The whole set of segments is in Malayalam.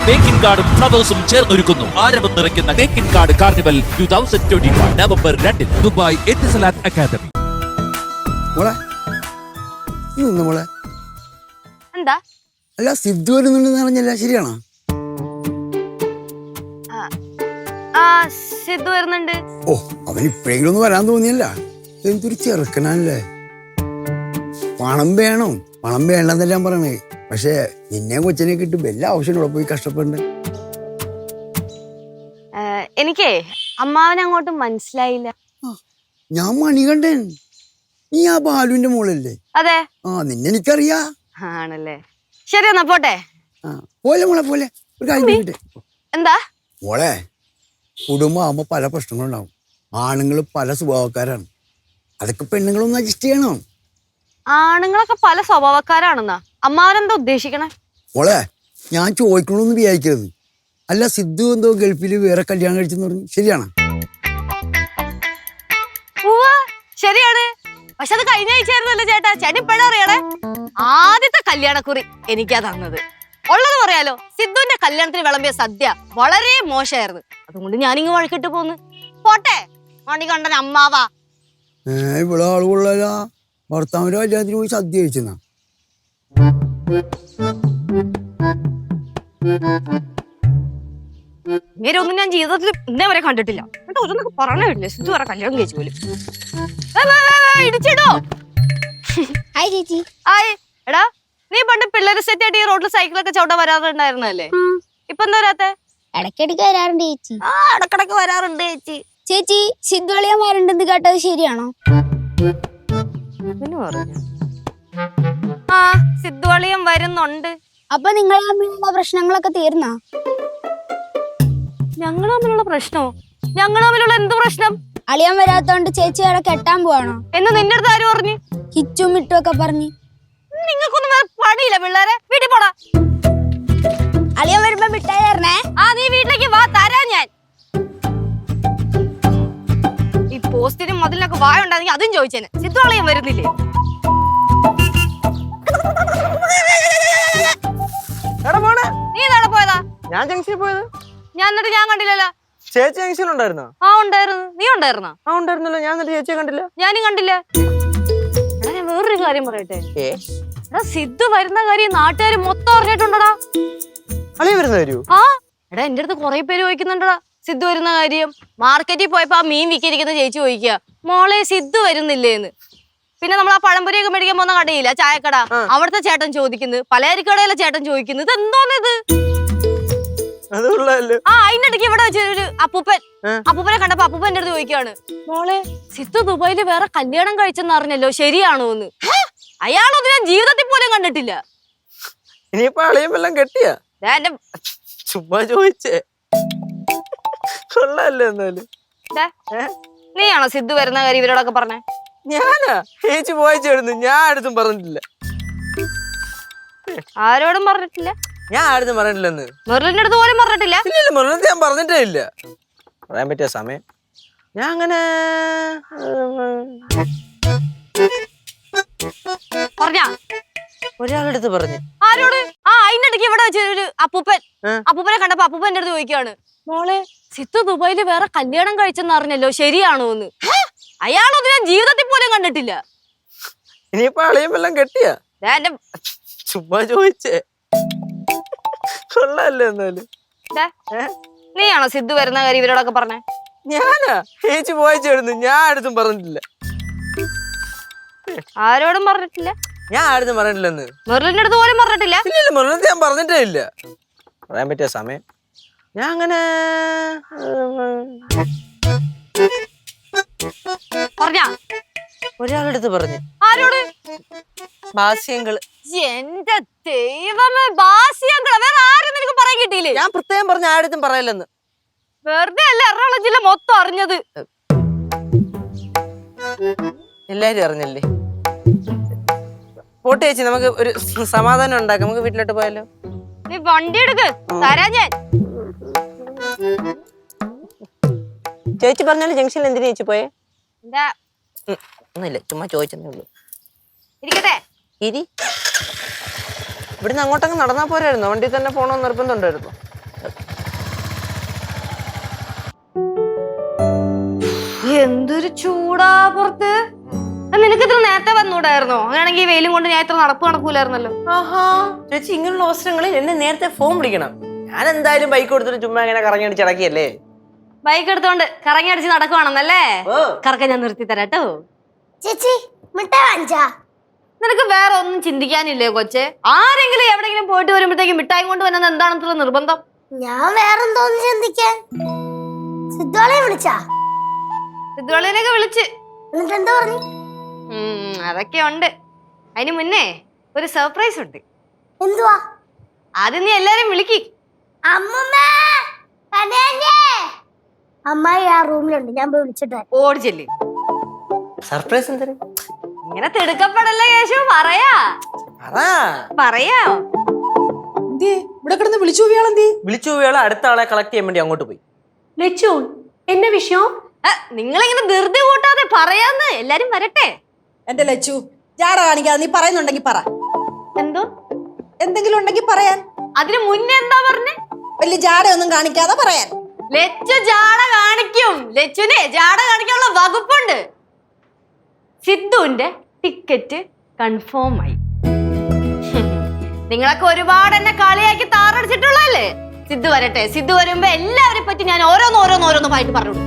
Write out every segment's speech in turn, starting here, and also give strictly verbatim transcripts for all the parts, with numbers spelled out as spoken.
തേക്കിൻ കാർഡും ഫ്ലവേഴ്സും ചേർന്നൊരുക്കുന്നു ആരവം നിറയ്ക്കുന്ന Thekkinkadu carnival two thousand twenty one November രണ്ടിന് ദുബായ് എത്തിസലാത്ത് അക്കാദമി. മോളെ മോളെ എന്താ അല്ല സിദ്ധു വരുന്നുണ്ടെന്ന് അറിഞ്ഞല്ല, ശരിയാണോ? ആ സിദ്ധു വരുന്നുണ്ട്. ഓ, അവൻ ഇപ്പോഴെങ്കിലും ഒന്നും വരാൻ തോന്നിയല്ല. എന്തൊരു ചെറുക്കനല്ലേ. പണം വേണം, പണം വേണ്ടെന്നെല്ലാം പറയണേ. പക്ഷെ നിന്നെ കൊച്ചിനെ കിട്ടും എല്ലാ ആവശ്യങ്ങളും പോയി കഷ്ടപ്പെടണ്ടേ. എനിക്കേ അമ്മാവനെ അങ്ങോട്ട് മനസ്സിലായില്ല. ഞാൻ മണികണ്ഠൻ, നീ ആ ബാലുവിന്റെ മോളല്ലേ? അതെ. ആ, നിന്നെ എനിക്കറിയാ. ആണല്ലേ, ശരി എന്നാ പോട്ടെ. ആ പോലെ മോളെ പോലെ ഒരു കാര്യം. എന്താ മോളെ, കുടുംബം ആകുമ്പോ പല പ്രശ്നങ്ങളുണ്ടാവും. ആണുങ്ങൾ പല സ്വഭാവക്കാരാണ്. അതൊക്കെ പെണ്ണുങ്ങളൊന്നും അഡ്ജസ്റ്റ് ചെയ്യണം. ആണുങ്ങളൊക്കെ പല സ്വഭാവക്കാരാണെന്നാ അമ്മാവനെന്താ ഉദ്ദേശിക്കണേ? മോളെ, ഞാൻ ചോദിക്കണമെന്ന് വിചാരിക്കരുത്. അല്ല, സിദ്ധു എന്തോ ഗൾഫിൽ വേറെ കല്യാണം കഴിച്ചെന്ന് പറഞ്ഞു, ശരിയാണ്? ശരിയാണ്. പക്ഷെ അത് കഴിഞ്ഞ ആഴ്ചയായിരുന്നല്ലോ ചേട്ടാ. ചേട്ടൻ ഇപ്പഴാ അറിയണേ. ആദ്യത്തെ കല്യാണക്കുറി എനിക്കാ തന്നത്. ഉള്ളത് പറയാലോ, സിദ്ധുവിന്റെ കല്യാണത്തിന് വിളമ്പിയ സദ്യ വളരെ മോശമായിരുന്നു. അതുകൊണ്ട് ഞാനിങ്ങ് വഴക്കിട്ട് പോന്ന്. പോട്ടെ, മണികണ്ഠൻ അമ്മാവാ. ഏ ഇവിടെ ആളുകൊള്ളാ. ഭർത്താവിന്റെ കല്യാണത്തിന് പോയി സദ്യ കഴിച്ചെന്നാ? ഇങ്ങനെ ഒന്നും ഞാൻ ജീവിതത്തിൽ ഇന്നേ വരെ കണ്ടിട്ടില്ല. എന്നിട്ട് ഒന്നൊക്കെ പറഞ്ഞില്ലേ സിദ്ധു വരെ കല്യാണം കഴിച്ചു പോലും. ഇടിച്ചിടോ. ഹായ് ചേച്ചി. ഹായ്. എടാ, നീ പണ്ട് പിള്ളേര് സെറ്റ് ആയിട്ട് ഈ റോഡിൽ സൈക്കിളൊക്കെ ചവിട്ടാൻ വരാറുണ്ടായിരുന്നല്ലേ? ഇപ്പൊ എന്താ വരാത്തെ? ഇടയ്ക്കിടയ്ക്ക് വരാറുണ്ട് ചേച്ചി. ആ, ഇടക്കിടക്ക് വരാറുണ്ട് ചേച്ചി. ചേച്ചി സിദ്ധുളിയന്മാരുണ്ടെന്ന് കേട്ടത് ശരിയാണോ? ആ, സിദ്ധുവളിയം വരുന്നുണ്ട്. അപ്പൊ നിങ്ങൾ തമ്മിലുള്ള പ്രശ്നങ്ങളൊക്കെ തീർന്നാ? ഞങ്ങൾ തമ്മിലുള്ള പ്രശ്നോ? ഞങ്ങൾ തമ്മിലുള്ള എന്ത് പ്രശ്നം? അളിയൻ വരാത്തോണ്ട് ചേച്ചി അവിടെ കെട്ടാൻ പോവാണോ എന്ന് നിന്റെ അടുത്ത് ആര് പറഞ്ഞു? ഹിച്ചും മിട്ടും ഒക്കെ പറഞ്ഞു. നിങ്ങൾക്കൊന്നും വേറെ പണിയില്ല പിള്ളേരെ. വീട്ടിൽ പോടാ. അളിയൻ വരുമ്പോ മിഠായി തരണേ. ആ, നീ വീട്ടിലേക്ക് വാ, തരാ ഞാൻ. ഈ പോസ്റ്റിനും മതിലിനൊക്കെ വായ ഉണ്ടായിരുന്നെങ്കിൽ അതും ചോദിച്ചേനെ. സിദ്ധു അളിയൻ വരുന്നില്ലേ? നീ നാളെ പോയതാ? ഞാൻ ജംഗ്ഷനിൽ പോയത്. ഞാൻ എന്നിട്ട് ഞാൻ കണ്ടില്ലല്ലോ. ചേച്ചി ജംഗ്ഷനിൽ ഉണ്ടായിരുന്നോ? ആ, ഉണ്ടായിരുന്നു. നീ ഉണ്ടായിരുന്നോ? ആ, ഉണ്ടായിരുന്നല്ലോ. ഞാൻ എന്നിട്ട് ചേച്ചിയെ കണ്ടില്ല. ഞാനും കണ്ടില്ല. എടാ, ഞാൻ വേറൊരു കാര്യം പറയട്ടെ. ഏ, എടാ, സിദ്ധു വരുന്ന കാര്യം നാട്ടുകാർ മൊത്തം അറിഞ്ഞിട്ടുണ്ടടാ. അളിയ വരുന്ന കാര്യോ? ആ, എടാ, എന്റെ അടുത്ത് കൊറേ പേര് ചോദിക്കുന്നുണ്ടടാ സിദ്ധു വരുന്ന കാര്യം. മാർക്കറ്റിൽ പോയപ്പോ ആ മീൻ വിൽക്കരിക്കുന്ന ചേച്ചി ചോദിക്കുക, മോളെ സിദ്ധു വരുന്നില്ലേന്ന്. പിന്നെ നമ്മൾ ആ പഴംപൊരിയൊക്കെ മേടിക്കാൻ പോകുന്ന കടയില്ല, ചായക്കട, അവിടുത്തെ ചേട്ടൻ ചോദിക്കുന്നത്, പലചരക്കടയിലെ ചേട്ടൻ ചോദിക്കുന്നത്, എന്തോന്നിത്? ആ, അതിന്റെ ഇടയ്ക്ക് ഇവിടെ വെച്ചൊരു അപ്പൂപ്പൻ അപ്പൂപ്പനെ കണ്ടപ്പോ അപ്പൂപ്പൻ എന്റെ അടുത്ത് ചോദിക്കുകയാണ്, മോളെ സിദ്ധു ദുബായില് വേറെ കല്യാണം കഴിച്ചെന്ന് അറിഞ്ഞല്ലോ, ശരിയാണോ എന്ന്. അയാളൊന്നും ഞാൻ ജീവിതത്തിൽ പോലും കണ്ടിട്ടില്ല. ഇനിയിപ്പോ അളിയും എല്ലാം കെട്ടിയാ? എന്റെ ചുമ്മാ ചോദിച്ചേ. കൊള്ളാല്ലേ? എന്നാലും നീയാണോ സിദ്ധു വരുന്ന കാര്യം ഇവരോടൊക്കെ പറഞ്ഞേ? ഞാനാ ചേച്ചി പോയിച്ചായിരുന്നു. ഞാൻ ആരും പറഞ്ഞിട്ടില്ല. ആരോടും പറഞ്ഞിട്ടില്ല? ഞാൻ ആരും പറഞ്ഞിട്ടില്ലെന്ന്. മെറിലിന്റെ അടുത്ത് പോലും പറഞ്ഞിട്ടില്ല? ഇല്ല, മെറിലിന്റെ ഞാൻ പറഞ്ഞിട്ടേ ഇല്ല. പറയാൻ പറ്റിയ സമയം ഞാൻ അങ്ങനെ പറഞ്ഞ ഒരാളെടുത്ത് പറഞ്ഞു. ആരോട്? ആ, അതിന്റെ ഇടയ്ക്ക് ഇവിടെ വെച്ചൊരു അപ്പൂപ്പൻ അപ്പൂപ്പനെ കണ്ടപ്പോ അപ്പൂപ്പൻ എന്റെ അടുത്ത് ചോദിക്കുകയാണ്, മോളെ സിദ്ധു ദുബായില് വേറെ കല്യാണം കഴിച്ചെന്ന് അറിഞ്ഞല്ലോ, ശരിയാണോ എന്ന്. അയാളൊന്നും ഞാൻ ജീവിതത്തിൽ പോലും കണ്ടിട്ടില്ല. ഇനിയിപ്പോ അളിയും എല്ലാം കെട്ടിയാ? എന്റെ ചുമ്മാ ചോദിച്ചേ. കൊള്ളാല്ലേ? എന്നാലും നീയാണോ സിദ്ധു വരുന്ന കാര്യം ഇവരോടൊക്കെ പറഞ്ഞേ? ഞാനാ ചേച്ചി പോയിച്ചായിരുന്നു. ഞാൻ ആരും പറഞ്ഞിട്ടില്ല. ആരോടും പറഞ്ഞിട്ടില്ല? ഞാൻ ആരും പറഞ്ഞിട്ടില്ലെന്ന്. മെറിലിന്റെ അടുത്ത് പോലും പറഞ്ഞിട്ടില്ല? ഇല്ല, മെറിലിന്റെ ഞാൻ പറഞ്ഞിട്ടേ ഇല്ല. പറയാൻ പറ്റിയ സമയം ഞാൻ അങ്ങനെ പറഞ്ഞ ഒരാളെടുത്ത് പറഞ്ഞു. ആരോട്? ഭാസ്യങ്ങള്. എന്റെ ദൈവമേ, ഭാസ്യങ്ങള്. വേറെ ആരും നിനക്ക് പറയാൻ കിട്ടിയില്ലേ? ഞാൻ പ്രത്യേകം പറഞ്ഞ ആരും പറയില്ലെന്ന്. വെറുതെ അല്ല എറണാകുളം ജില്ല മൊത്തം അറിഞ്ഞത്. എല്ലാരും അറിഞ്ഞല്ലേ? പോട്ടെ ചേച്ചി, നമുക്ക് ഒരു സമാധാനം ഉണ്ടാക്കാം. നമുക്ക് വീട്ടിലോട്ട് പോയാലോ? നീ വണ്ടി എടുക്ക്, തരാ ഞാൻ. ചേച്ചി പറഞ്ഞാലും ജംഗ്ഷനിൽ എന്തിനാ ചേച്ചി പോയേ? എന്താ? ഒന്നുമില്ല, ചുമ്മാ ചോദിച്ചതേ ഉള്ളൂ. ഇരിക്കട്ടെ. ഇരി. ഇവിടുന്ന് അങ്ങോട്ടങ്ങ് നടന്നാ പോരായിരുന്നോ? വണ്ടി തന്നെ പോണോന്ന് നിർബന്ധം ഉണ്ടായിരുന്നു. എന്തൊരു ചൂടാ പുറത്ത്. നിനക്ക് ഇത്ര നേരത്തെ വന്നൂടായിരുന്നോ? അങ്ങനെയാണെങ്കിൽ ഈ വെയിലും കൊണ്ട് ഞാൻ ഇത്ര നടപ്പ് നടക്കൂലായിരുന്നല്ലോ. ആഹാ ചേച്ചി, ഇങ്ങനെയുള്ള അവസരങ്ങളിൽ എന്നെ നേരത്തെ ഫോൺ വിളിക്കണം. ഞാൻ എന്തായാലും ബൈക്ക് കൊടുത്തിട്ട് ചുമ്മാ ഇങ്ങനെ കറങ്ങി അടിച്ച് അടക്കിയല്ലേ. ബൈക്ക് എടുത്തോണ്ട് കറങ്ങി അടിച്ച് നടക്കുവാണെന്നല്ലേ? കറക്ക ഞാൻ നിർത്തി തരാട്ടോ. ചേച്ചി മിഠായി വാങ്ങിച്ചാ? നിനക്ക് വേറെ ഒന്നും ചിന്തിക്കാനില്ലേ കൊച്ചെ? ആരെങ്കിലും എവിടെയെങ്കിലും പോയിട്ട് വരുമ്പോഴത്തേക്കും മിഠായി കൊണ്ട് വരുന്നത് എന്താണെന്നുള്ള നിർബന്ധം? ഞാൻ വേറെന്തോന്ന് ചിന്തിക്കാൻ. സിദ്ധോളെ വിളിച്ചാ? സിദ്ധുവളിനെയൊക്കെ വിളിച്ച്. എന്നിട്ട് എന്താ പറഞ്ഞു? ഉം അതൊക്കെ ഉണ്ട്. അതിന് മുന്നേ ഒരു സർപ്രൈസ് ഉണ്ട്. എന്തുവാ? ആദ്യം നീ എല്ലാരും വിളിക്ക്. അമ്മായി ആ റൂമിലുണ്ട്, ഞാൻ പോയി വിളിച്ചിട്ട്. ഓടി ചെല്ല്. സർപ്രൈസ് എന്തിന്? ഇങ്ങനെ തിടുക്കപ്പെടല്ലേ കേശു, പറയാ പറയാ. ഇവിടെ കിടന്ന് വിളിച്ചു പോയാളെന്തേ? വിളിച്ചു പോയാളെ അടുത്ത ആളെ കളക്ട് ചെയ്യാൻ വേണ്ടി അങ്ങോട്ട് പോയി. ലച്ചു എന്നെ വിഷയം? നിങ്ങളിങ്ങനെ ധൃതി കൂട്ടാതെ പറയാന്ന്. എല്ലാരും വരട്ടെ. എന്റെ ലച്ചു ജാട കാണിക്കാതെ നീ പറയുന്നുണ്ടെങ്കിൽ പറ. എന്തോ എന്തെങ്കിലും ഉണ്ടെങ്കിൽ പറയാൻ. അതിന് മുന്നേ എന്താ പറഞ്ഞേ? വലിയ ജാടയൊന്നും കാണിക്കാതെ പറയാൻ. ലച്ചു ജാട കാണിക്കും. ലച്ചുനെ ജാട കാണിക്കാനുള്ള വകുപ്പുണ്ട്. സിദ്ധുവിന്റെ ടിക്കറ്റ് കൺഫേം ആയി. നിങ്ങളൊക്കെ ഒരുപാട് എന്നെ കളിയാക്കി താറടിച്ചിട്ടുള്ളതല്ലേ? സിദ്ധു വരട്ടെ. സിദ്ധു വരുമ്പോ എല്ലാവരെ പറ്റി ഞാൻ ഓരോന്ന് ഓരോന്ന് ഓരോന്നുമായിട്ട് പറഞ്ഞു.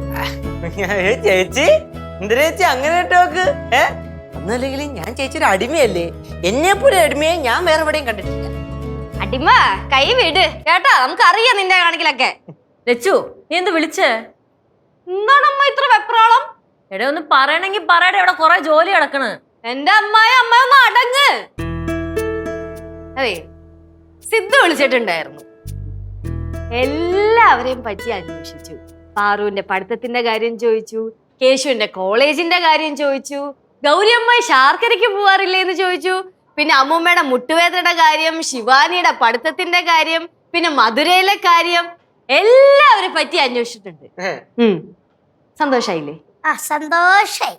ചേച്ചി എന്തിനാ ചേച്ചി അങ്ങനെ ടോക്ക്? ഏ ഒന്നല്ലെങ്കിലും ഞാൻ ചേച്ചിയുടെ അടിമയല്ലേ. എന്നെ പോലെ അടിമയെ ഞാൻ വേറെ എവിടെയും കണ്ടിട്ടില്ല. അടിമ കൈ വിട് കേട്ടാ. നമുക്കറിയാം നിന്റെ കാണിക്കലൊക്കെ. ലച്ചു നീ എന്ത് വിളിച്ചേ? എന്താണമ്മ ഇത്ര വെപ്രാളം? എടേ ഒന്ന് പറയണെങ്കി പറയടേ, ഇവിടെ കൊറേ ജോലി കിടക്കണ്. എന്റെ അമ്മായി അമ്മ ഒന്ന് അടങ്ങ്. അതെ, സിദ്ധു വിളിച്ചിട്ടുണ്ടായിരുന്നു. എല്ലാവരെയും പറ്റി അന്വേഷിച്ചു. പാറുവിന്റെ പഠിത്തത്തിന്റെ കാര്യം ചോദിച്ചു, കേശുവിന്റെ കോളേജിന്റെ കാര്യം ചോദിച്ചു, ഗൗരി അമ്മായി ശാർക്കരയ്ക്ക് പോവാറില്ലേ എന്ന് ചോദിച്ചു, പിന്നെ അമ്മൂമ്മയുടെ മുട്ടുവേദനയുടെ കാര്യം, ശിവാനിയുടെ പഠിത്തത്തിന്റെ കാര്യം, പിന്നെ മധുരയിലെ കാര്യം, എല്ലാവരെ പറ്റി അന്വേഷിച്ചിട്ടുണ്ട്. സന്തോഷായില്ലേ? ആ സന്തോഷായി.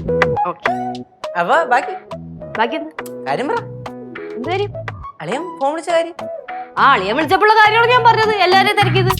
അപ്പൊ ബാക്കി ബാക്കി എന്താ കാര്യം പറ. എന്ത് കാര്യം? അളിയൻ ഫോൺ വിളിച്ച കാര്യം. ആ അളിയൻ വിളിച്ചപ്പോഴുള്ള കാര്യമാണ് ഞാൻ പറഞ്ഞത്. എല്ലാവരെയും തിരക്കിയത്.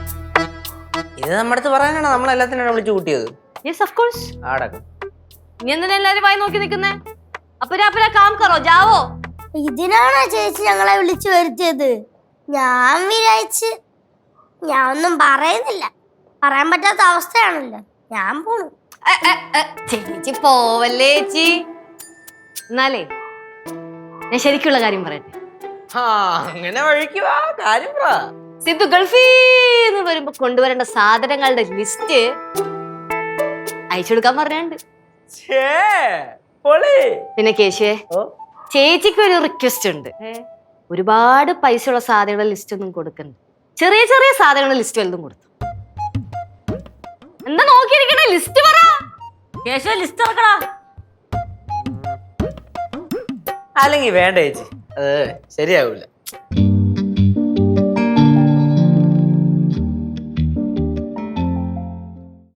ഇത് നമ്മുടെ അടുത്ത് പറയാനാണ് നമ്മൾ എല്ലാത്തിനും വിളിച്ചു കൂട്ടിയത്. Yes of course. ആടക്കം ഇനി എന്തിനാ എല്ലാരും വായി നോക്കി നിൽക്കുന്നേ? അപ്പരാ അപ്പരാ കാം കറോ ജാവോ. ഇതിനാണോ ചേച്ചി ഞങ്ങളെ വിളിച്ചു വരുത്തിയത്? ഞാൻ വിചാരിച്ച് ഞാൻ ഒന്നും പറയുന്നില്ല. പറയാൻ പറ്റാത്ത അവസ്ഥയാണല്ലോ. ഞാൻ പോണു. ചേച്ചി പോവല്ലേ ചേച്ചി. എന്നാലേ ഞാൻ ശരിക്കുള്ള കാര്യം പറയട്ടെ. അങ്ങനെ വഴിക്കുവാ കാര്യം പറ. സിദ്ധു ഗൾഫീന്ന് വരുമ്പോ കൊണ്ടുവരേണ്ട സാധനങ്ങളുടെ ലിസ്റ്റ് അയച്ചു കൊടുക്കാൻ പറഞ്ഞുണ്ട്. പിന്നെ കേശുവേ, ചേച്ചിക്ക് ഒരു റിക്വസ്റ്റ് ഉണ്ട്. ഒരുപാട് പൈസ ഉള്ള സാധനങ്ങളുടെ ലിസ്റ്റ് ഒന്നും കൊടുക്കണ്ട. ചെറിയ ചെറിയ സാധനങ്ങളുടെ ലിസ്റ്റ് വലുതും കൊടുത്തു. എന്താ നോക്കിയിരിക്കണേ? ലിസ്റ്റ് പറ. കേശവ ലിസ്റ്റ് ഇറക്കടാ. അല്ലെങ്കിൽ വേണ്ട ചേച്ചി, അത് ശരിയാവൂല.